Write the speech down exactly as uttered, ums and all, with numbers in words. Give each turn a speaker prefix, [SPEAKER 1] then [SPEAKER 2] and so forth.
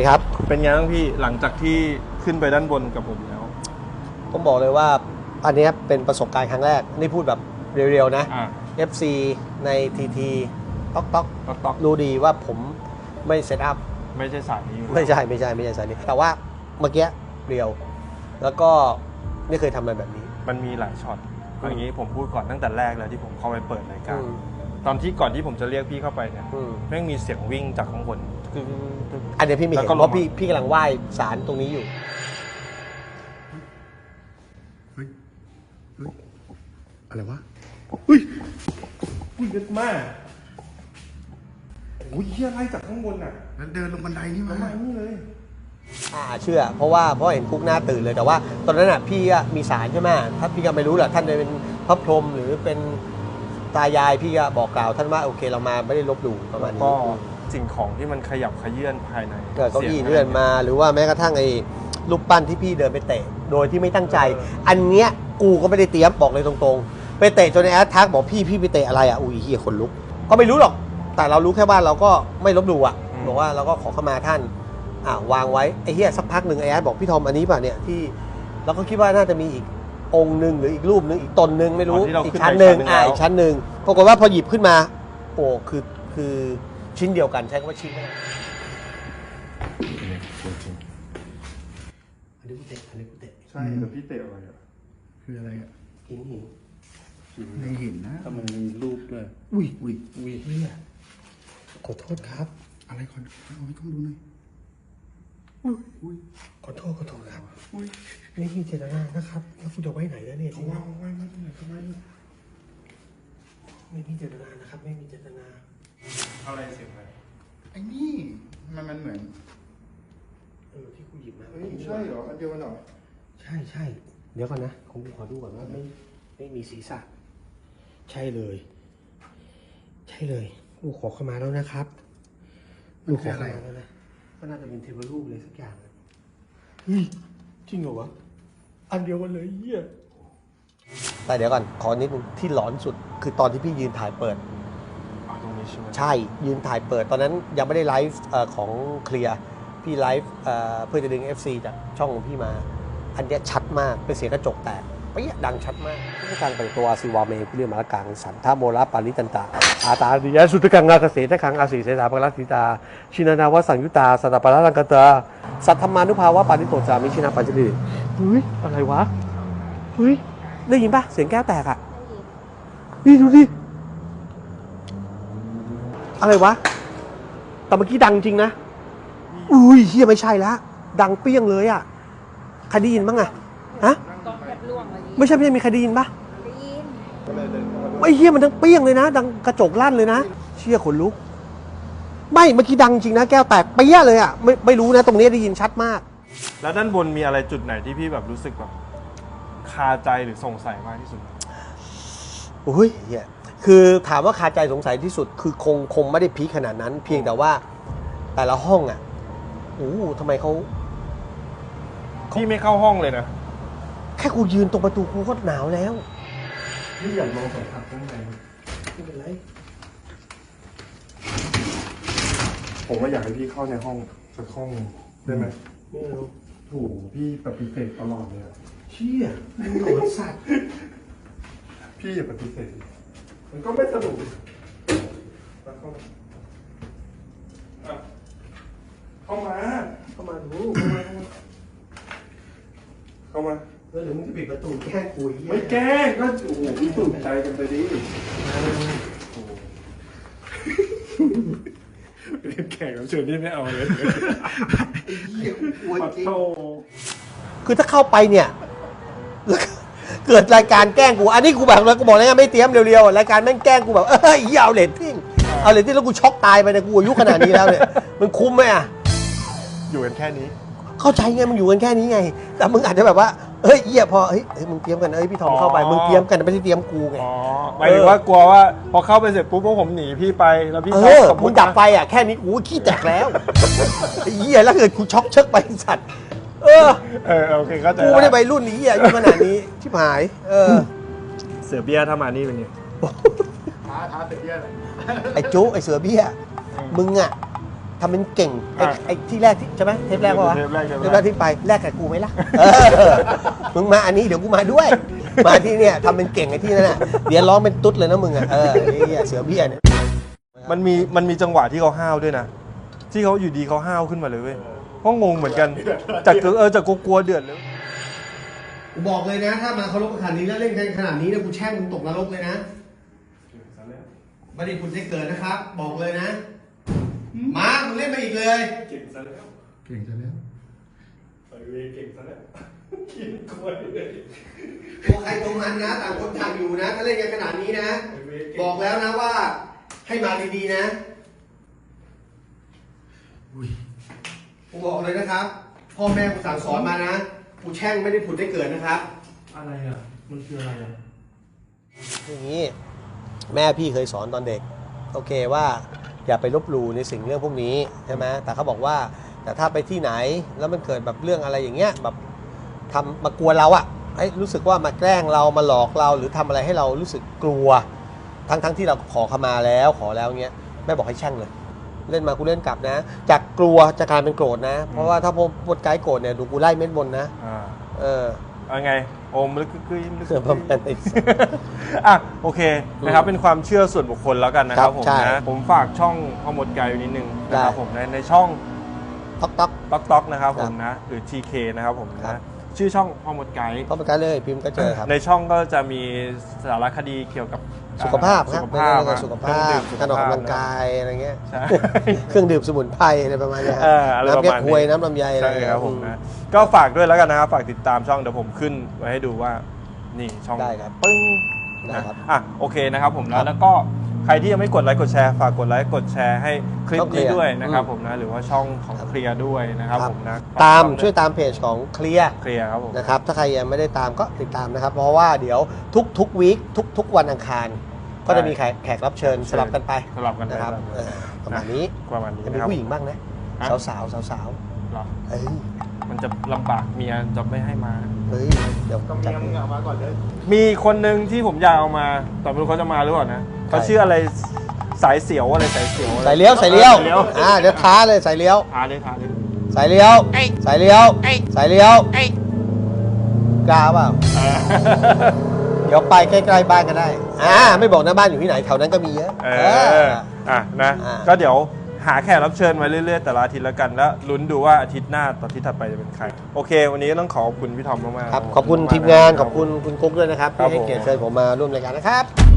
[SPEAKER 1] ครับ
[SPEAKER 2] เป็นไงบ้างพี่หลังจากที่ขึ้นไปด้านบนกับผมแล้ว
[SPEAKER 1] ต้องบอกเลยว่าอันนี้เป็นประสบการณ์ครั้งแรกนี่พูดแบบเรียวๆนะ เอฟ ซี ใน ที ที ต๊อกต๊อกต๊อกรู้ดีว่าผมไม่เซตอัพ
[SPEAKER 2] ไม่ใช่สายนี้
[SPEAKER 1] ไม่ใช่ไม่ใช่ไม่ใช่สายนี้แต่ว่าเมื่อกี้เรียวแล้วก็ไม่เคยทำอะไรแบบนี้
[SPEAKER 2] มันมีหลายช็อตอย่างนี้ผมพูดก่อนตั้งแต่แรกเลยที่ผมเข้าไปเปิดรายการตอนที่ก่อนที่ผมจะเรียกพี่เข้าไปเนี่ยแม่งมีเสียงวิ่งจากข้างบนคือ
[SPEAKER 1] อันนี้พี่มีเห็นเพราะพี่พี่กำลังไหว้ศาลตรงนี้อยู่
[SPEAKER 3] เฮ้ยเฮ้ยอะไรวะ
[SPEAKER 2] เฮ้ยอุ้ยเยอะมากโอ้ยเฮียไล่จากข้างบนอ่ะ
[SPEAKER 3] แล้วเดินลงบันไดนี่มา
[SPEAKER 2] ประมาณนี้เลย
[SPEAKER 1] อ่าเชื่อเพราะว่าเพราะเห็นคุกหน้าตื่นเลยแต่ว่าตอนนั้นอ่ะพี่มีศาลใช่ไหมถ้าพี่ก็ไม่รู้แหละท่านจะเป็นพระพรหมหรือเป็นตายายพี่ก็บอกกล่าวท่านว่าโอเคเรามาไม่ได้ลบหลู่ประมาณนี้
[SPEAKER 2] ก็สิ่งของที่มันขยับขยื่นภายใน
[SPEAKER 1] เกิดเก้าอี้เลื่อนมาหรือว่าแม้กระทั่งไอ้รูปปั้นที่พี่เดินไปเตะโดยที่ไม่ตั้งใจอันเนี้ยกูก็ไม่ได้เตรียมบอกเลยตรงๆไปเตะจนในแอดทักบอกพี่พี่ไปเตะอะไรอ่ะอุ้ยเฮียขนลุกก็ไม่รู้หรอกแต่เรารู้แค่ว่าเราก็ไม่ลบหลู่อ่ะบอกว่าเราก็ขอเข้ามาท่านอ่าวางไว้ไอ้เฮียสักพักหนึ่งไอ้แอดบอกพี่ทอมอันนี้ป่ะเนี่ยที่เราก็คิดว่าน่าจะมีอีกองค์หนึ่งหรืออีกรูปหนึ่งอีกตนหนึ่งไม่รู้อีกชั้นหนึ่งอ่าอีกชั้นหนึ่งปรากฏว่าพอหยิบขึ้นมาโอ้คือคือชิ้นเดียวกันใช้คำว่าชิ้นได้อันนี้กูเตะอันนี้กูเตะ
[SPEAKER 2] ใช่แต่พี่เตะอะไรอ่ะ
[SPEAKER 3] คืออะไรอ่ะ
[SPEAKER 1] หินหิน
[SPEAKER 3] ในหินนะ
[SPEAKER 2] ทำไมมีรูปด้วย
[SPEAKER 3] อุ้ยอุ้ย
[SPEAKER 1] อุ้ยเนี่ยขอโทษครับ
[SPEAKER 3] อะไรขอเอาให้กล้องดูหน่อย
[SPEAKER 1] อุ้ยอุ้ยขอโทษขอโทษครับอุ้ยไม่มีเจตนานะครับแล้วคุณจะไว้ไหนแล้วเนี่ย
[SPEAKER 3] เอาไว้เอาไว้ไม่ได้ทำไม
[SPEAKER 1] ไม่มีเจตนานะครับไม่มีเจตนา
[SPEAKER 2] อะไรเสียงอะไร
[SPEAKER 3] ไอ้นี่มันมันเหมือน
[SPEAKER 1] เออที่กูหยิบมา
[SPEAKER 3] ใช่เหรออันเดียวกันเหรอ
[SPEAKER 1] ใช่ใช่เดี๋ยวก่อนนะผมขอดูก่อนว่าไม่ไม่มีศีรษะใช่เลยใช่เลยลูกขอเข้ามาแล้วนะครับลูกขอเข้ามาแล้วนะก็น่าจะเป็นเทวรูปเลยสักอย่างเฮ้ยจริงเหรอวะอันเดียวกันเลยเหี้ยแต่เดี๋ยวก่อนขอนิดนึงที่หลอนสุดคือตอนที่พี่ยืนถ่ายเปิด
[SPEAKER 2] ตรงนี้ใช่ไหม
[SPEAKER 1] ใช่ยืนถ่ายเปิดตอนนั้นยังไม่ได้ไลฟ์ของเคลียร์พี่ไลฟ์เพื่อจะดึง เอฟ ซี จากช่องของพี่มาอันนี้ชัดมากเป็นเสียงกระจกแตกเปี้ยดังชัดมากที่การแต่งตัวสิวาเมคุเรียมาละกังสันทาโมระปาริตันตาอาตาดิยะสุตกังนาเกษตรขังอาศีเสนาปรัติตาชินานาวสังยุตาสัตตปารังกตาสัทธมานุภาวะปาริโตจามิชินาปัจจิริเฮ้ยอะไรวะเฮ้ยได้ยินปะเสียงแก้วแตกอ่ะนี่ดูดิอะไรวะแต่เมื่อกี้ดังจริงนะอุ้ยเฮียไม่ใช่ละดังเปี้ยงเลยอ่ะใครได้ยินบ้างอะฮะไม่ใช่ไม่ใช่มีใครได้ยินปะได้ยินไม่เฮียมันดังเปี้ยงเลยนะดังกระจกลั่นเลยนะเชี่ยขนลุกไม่เมื่อกี้ดังจริงนะแก้วแตกเปี้ยเลยอ่ะไม่ไม่รู้นะตรงนี้ได้ยินชัดมาก
[SPEAKER 2] แล้วด้านบนมีอะไรจุดไหนที่พี่แบบรู้สึกแบบคาใจหรือสงสัยมากที่สุด
[SPEAKER 1] โอ้ยเฮียคือถามว่าคาใจสงสัยที่สุดคือคงคงไม่ได้พีคขนาดนั้นเพียงแต่ว่าแต่ละห้องอ่ะโอ้ทำไมเขา
[SPEAKER 2] พี่ไม่เข้าห้องเลยนะ
[SPEAKER 1] แค่กูยืนตรงประตูกูก็หนาวแล้ว
[SPEAKER 2] นี่อยากลองสัมผัสข้างใน
[SPEAKER 1] ไม่เป็นไร
[SPEAKER 2] ผมว่าอยากให้พี่เข้าในห้องสักห้องได้ไหม
[SPEAKER 1] ไม่เอา
[SPEAKER 2] โอ้โหพี่ปฏิเสธตลอดเลย
[SPEAKER 1] เชี่ยมึงหลอนสัตว์
[SPEAKER 2] พี่อย่าปฏิเสธมันก็ไม่สนุกเข้ามาเข้ามา
[SPEAKER 1] เข้ามาดู
[SPEAKER 2] เข้ามาเข้ามา
[SPEAKER 1] แล้วเดี๋ยวมึงจะปิดประตูแกล้งกู
[SPEAKER 2] ไม่แกล้งก็โอ้โหพี่ตื่นใจกันไปดิเป็นแขกรับเชิญที่ไม่เอาเลย
[SPEAKER 1] คือถ้าเข้าไปเนี่ยเกิดรายการแกล้งกูอันนี้กูแบบแล้วกูบอกแล้วไงไม่เตรียมเร็วๆรายการแม่งแกล้งกูแบบเอ้ยเอาเลตติ้งเอาเลตติ้งแล้วกูช็อกตายไปเนี่ยกูอายุขนาดนี้แล้วเนี่ยมันคุ้มไหมอ่ะ
[SPEAKER 2] อยู่กันแค่นี้
[SPEAKER 1] เข้าใจไงมึงอยู่กันแค่นี้ไงแต่มึงอาจจะแบบว่าเฮ้ยเหี้ยพอเฮ้ยมึงเตรียมกันเอ้ยพี่ทอมเข้าไปมึงเตรียมกันไม่ใช่เตรียมกูไง
[SPEAKER 2] อ๋อหมายถึงว่ากลัวว่าพอเข้าไปเสร็จปุ๊บพวกผมหนีพี่ไปแล้วพี่
[SPEAKER 1] เออมึงดับไปอ่ะแค่นี้กูขี้แตกแล้วไอ้เหี้ยแล้วเกิดกูช็อกเชิกไปสัตว์เออ
[SPEAKER 2] เออโอเคเข้าใจ
[SPEAKER 1] กูไม่ได้ไปรุ่นนี้อ่ะอยู่ขนาดนี้ชิบหายเออ
[SPEAKER 2] เสือเบี้ยถ้ามานี่เป็นไง
[SPEAKER 3] ท้าท้าเสือเบี้ยเลย
[SPEAKER 1] ไอ้จุ๊ไอ้เสือเบี้ยมึงอ่ะทำเป็นเก่งไอ้
[SPEAKER 2] อ่ะ
[SPEAKER 1] ไอ้ที่แรกที่ใช่ไหมเทปแรกปะวะ
[SPEAKER 2] เทปแรกเทปแรก
[SPEAKER 1] เทปแรกที่ไปแรกกับกูไหมล่ะเออมึงมาอันนี้เดี๋ยวกูมาด้วย มาที่เนี่ยทำเป็นเก่งไอ้ที่นั่นน่ะเดี๋ยวร้องเป็นตุ๊ดเลยนะมึงอ่ะเออไอ้เหี้ยเสือเบี้ยเนี่ย
[SPEAKER 2] มันมีมันมีจังหวะที่เขาห้าวด้วยนะที่เขาอยู่ดีเขาห้าวขึ้นมาเลยเว้ยก็งงเหมือนกันจากเออจากกลัวๆเดือดเลย
[SPEAKER 1] กูบอกเลยนะ ถ้ามาเคารพขนาดนี้แล้วเล่นกันขนาดนี้เนี่ยกูแช่งมึงตกนรกเลยนะไม่ได้คุณได้เกิดนะครับ บอกเลยนะมามึงเล่นมาอีกเลย
[SPEAKER 3] เก่งซะแล้วเก่งซะแล้วไปเวเก่งซะแล้วกินกล้วยเลย
[SPEAKER 1] ตัวใครตัวมันนะต่างคนต่างอยู่นะถ้าเล่นกันขนาดนี้นะ บอกแล้วนะว่า ให้มาดีๆนะ
[SPEAKER 3] อุ้ย
[SPEAKER 1] กูบอกเลยนะครับ พ่อแม่กูสั่งสอนมานะกูแช่งไม่ได้ผุดได้เกิดนะครับ
[SPEAKER 3] อะไรอ่ะมันคืออะไรอ่ะ
[SPEAKER 1] อย่างนี้แม่พี่เคยสอนตอนเด็กโอเคว่าอย่าไปลบหลู่ในสิ่งเรื่องพวกนี้ใช่ไหมแต่เขาบอกว่าแต่ถ้าไปที่ไหนแล้วมันเกิดแบบเรื่องอะไรอย่างเงี้ยแบบทำมากวนเราอะให้รู้สึกว่ามาแกล้งเรามาหลอกเราหรือทำอะไรให้เรารู้สึกกลัวทั้งทั้งที่เราขอขมาแล้วขอแล้วเงี้ยแม่บอกให้แช่งเลย เล่นมากูเล่นกลับนะ จากกลัวจะกลายเป็นโกรธนะ เพราะว่าถ้าพวกไกด์โกรธเนี่ยดูกูไล่เม็ดบนนะ
[SPEAKER 2] อ่า
[SPEAKER 1] เออ
[SPEAKER 2] เอาไงโอมลึกกึ้ยลึก
[SPEAKER 1] เสื่อมประมาณนี้
[SPEAKER 2] อ่ะโอเคนะครับเป็นความเชื่อส่วนบุคคลแล้วกันนะครับ
[SPEAKER 1] ครับ
[SPEAKER 2] ผม
[SPEAKER 1] ใช่
[SPEAKER 2] นะผมฝากช่องพ่อมดไกด์ไว้นิดนึงนะครับ
[SPEAKER 1] ได้
[SPEAKER 2] ผมในในช่อง
[SPEAKER 1] ต๊อกต๊อก
[SPEAKER 2] ต๊อกต๊อกนะครับ
[SPEAKER 1] ค
[SPEAKER 2] ผ
[SPEAKER 1] รับ
[SPEAKER 2] มนะหรือ ที เค นะครับผม
[SPEAKER 1] ครั
[SPEAKER 2] นะ
[SPEAKER 1] บ
[SPEAKER 2] ชื่อช่องพ่อมดไกด์
[SPEAKER 1] เข้าไปกันเลยพิมพ์ก็เจอครับ
[SPEAKER 2] ในช่องก็จะมีสารคดีเกี่ยวกับ
[SPEAKER 1] สุขภาพครับ
[SPEAKER 2] สุขภาพ
[SPEAKER 1] เรื่องสุขภาพการออกกำลังกายอะไรเงี้ย
[SPEAKER 2] ใช่
[SPEAKER 1] เครื่องดื่มสมุนไพรอะไรประมาณเนี้ย
[SPEAKER 2] เอออะไรประ
[SPEAKER 1] น้ำแก้
[SPEAKER 2] มาณ
[SPEAKER 1] ควย
[SPEAKER 2] นี้
[SPEAKER 1] น้ำลำไยอะไร
[SPEAKER 2] ใช่
[SPEAKER 1] เงี้ย
[SPEAKER 2] ครับผม
[SPEAKER 1] อื
[SPEAKER 2] นะก็ฝากด้วยแล้วกันนะครับฝากติดตามช่องเดี๋ยวผมขึ้นไว้ให้ดูว่านี่ช่อง
[SPEAKER 1] ได้ครับ
[SPEAKER 2] ปึ้ง
[SPEAKER 1] ได้
[SPEAKER 2] นะครับ อ่ะโอเคนะครับผม
[SPEAKER 1] ครั
[SPEAKER 2] นะ
[SPEAKER 1] บ
[SPEAKER 2] แล้วก็ใครที่ยังไม่กดไลค์กดแชร์ฝากกดไลค์กดแชร์ให้คลิป
[SPEAKER 1] ช่องเคลี
[SPEAKER 2] นี้
[SPEAKER 1] ยร์
[SPEAKER 2] ด้วยนะครับ
[SPEAKER 1] อืม
[SPEAKER 2] ผมนะหรือว่าช่องของเคลียร์ด้วยนะครับ
[SPEAKER 1] ครับ
[SPEAKER 2] ผมนะ
[SPEAKER 1] ตาม
[SPEAKER 2] ช่อง
[SPEAKER 1] ช่วยตามเพจของเคลียร์
[SPEAKER 2] เคลียร์ครับผม
[SPEAKER 1] นะครับถ้าใครยังไม่ได้ตามก็ติดตามนะครับ เพราะว่าเดี๋ยวทุกทุกวีคทุกทุกวันอังคาร ก็จะมีแขกแขกรับเชิญสลับกันไป
[SPEAKER 2] สลับกันไป
[SPEAKER 1] นะครับ
[SPEAKER 2] สลับกันไป
[SPEAKER 1] เออประมาณนี้
[SPEAKER 2] ประมาณนี้
[SPEAKER 1] จะมี
[SPEAKER 2] นะครับ
[SPEAKER 1] ผู้หญิงบ้างนะ
[SPEAKER 2] ฮะ
[SPEAKER 1] สาวสาวสาวสาว
[SPEAKER 2] หรอ
[SPEAKER 1] ๆเอ้ย
[SPEAKER 2] มันจะลำบากเมียจะไม่ให้มา
[SPEAKER 1] เฮ้ยเดี๋ยวจัด
[SPEAKER 2] มีคนหนึ่งที่ผมอยากเอามาแต่ไม่รู้เขาจะมาหรือเปล่านะเขาชื่ออะไรสายเสียวอะไรสายเสียวอะไร
[SPEAKER 1] ใส่เลี้ยวใส่เลี้ยว
[SPEAKER 2] สายเลี้ยว
[SPEAKER 1] อ่าเดี๋ยวท้าเลยใส่เลี้ยว
[SPEAKER 2] ทาเลยทาเลย
[SPEAKER 1] ใส่เลี้ยวใส่เลี้ยวใส่เลี้ยวกล้าเปล่า
[SPEAKER 2] เออ
[SPEAKER 1] เดี๋ยวไปใกล้ๆบ้านก็ได้ อ่า ไม่บอกนะบ้านอยู่ที่ไหนแถวนั้นก็มีเยอะ
[SPEAKER 2] เอ
[SPEAKER 1] เอ
[SPEAKER 2] อ
[SPEAKER 1] อ
[SPEAKER 2] อ่ะนะ
[SPEAKER 1] อ่า
[SPEAKER 2] ก็เดี๋ยวหาแขกรับเชิญมาเรื่อยๆแต่ละอาทิตย์แล้วกันแล้วลุ้นดูว่าอาทิตย์หน้าต่ออาทิตย์ถัดไปจะเป็นใครโอเค วันนี้ต้องขอบคุณพี่ทอมมากๆ
[SPEAKER 1] ครับ ขอบคุณ
[SPEAKER 2] มากๆ
[SPEAKER 1] ทีมงาน
[SPEAKER 2] ะ
[SPEAKER 1] ขอบคุณคุณกุ๊กด้วยนะครับ
[SPEAKER 2] ครับ
[SPEAKER 1] ที่ให้
[SPEAKER 2] ผม
[SPEAKER 1] เกียรติเชิญผมมาร่วมรายการนะครับ